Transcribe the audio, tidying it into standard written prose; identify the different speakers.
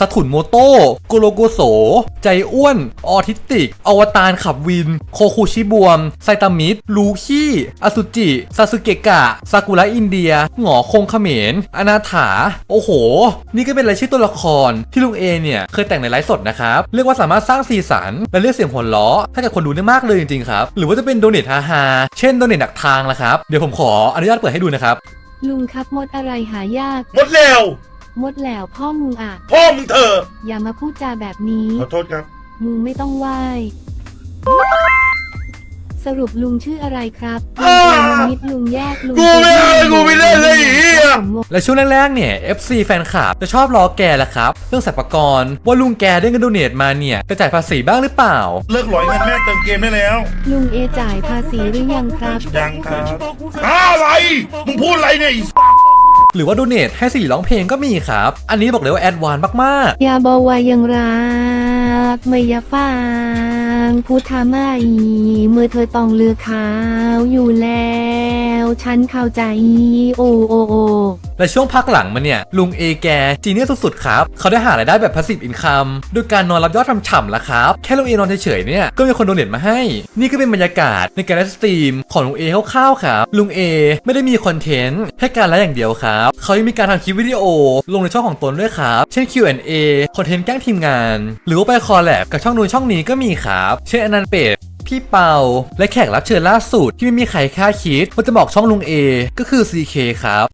Speaker 1: สถุนโมโต้โกโลโกโสใจอ้วนออทิสติกอวตารขับวินโคคูชิบวมไซตามิดลูคี้อสุจิซาสึเกะกะซากุระอินเดียหงอคงเขมรอนาถาโอ้โหนี่ก็เป็นรายชื่อตัวละครที่ลุงเอเนี่ยเคยแต่งในไลฟ์สดนะครับเรียกว่าสามารถสร้างสีสันและเรียกเสียงหัวเราะให้กับคนดูได้มากเลยจริงๆครับหรือว่าจะเป็นโดเนทฮาๆเช่นโดเนทดักทางละครับเดี๋ยวผมขออนุญาตเปิดให้ดูนะครับ
Speaker 2: ลุงครับมดอะไรหายาก
Speaker 3: หมดแล้ว
Speaker 2: มดแล้วพ่อมึงอ่ะ
Speaker 3: พ่อมึงเถอะ
Speaker 2: อย่ามาพูดจาแบบนี้
Speaker 3: ขอโทษครับ
Speaker 2: มึงไม่ต้องไหว้สรุปลุงชื่ออะไรครับลุงมิดลุงแยกลุง
Speaker 3: กูไม่ได้เลยไอ้เหี้ย
Speaker 1: และช่วงแรกๆเนี่ย FC แฟนคลับจะชอบล้อแกแหละครับเรื่องสรรพากรว่าลุงแกได้เงินโดเนทมาเนี่ยจะจ่ายภาษีบ้างหรือเปล่า
Speaker 3: เลิกหลอยเงินแม่เติมเกมได้แล้ว
Speaker 2: ลุงเอจ่ายภาษีหรือยังครับ
Speaker 3: ยังครับอะไรมึงพูดอะไรเนี่ย
Speaker 1: หรือว่าโดเนทให้สี่ร้องเพลงก็มีครับ อันนี้บอกเลยว่าแอดวานซ์มาก
Speaker 2: อย่าบอกว่ายังรักไม่อย่าฟังพูดทำไมเมื่อเธอต้องเลือกเขาอยู่แล้วฉันเข้าใจโอโอโอ
Speaker 1: ๆและช่วงพักหลังมาเนี่ยลุงเอแกจีเนียสสุดๆครับเขาได้หารายได้แบบพาสซีฟอินคัมโดยการนอนรับยอดฉ่ำๆแล้วครับแค่ลุงเอนอนเฉยๆเนี่ยก็มีคนโดเนทมาให้นี่ก็เป็นบรรยากาศในการไลฟ์สตรีมของลุงเอคร่าวๆครับลุงเอไม่ได้มีคอนเทนต์ให้การไลฟ์อย่างเดียวครับเขายังมีการทำคลิปวิดีโอลงในช่องของตนด้วยครับเช่น Q&A คอนเทนต์แกล้งทีมงานหรือว่าไปคอลแลบกับช่องนู้นช่องนี้ก็มีครับเช่นอนันต์เป็ดพี่เปาและแขกรับเชิญล่าสุดที่ไม่มีใครคาดคิดว่าจะบอกช่องลุงเอก็คือ CK ครับ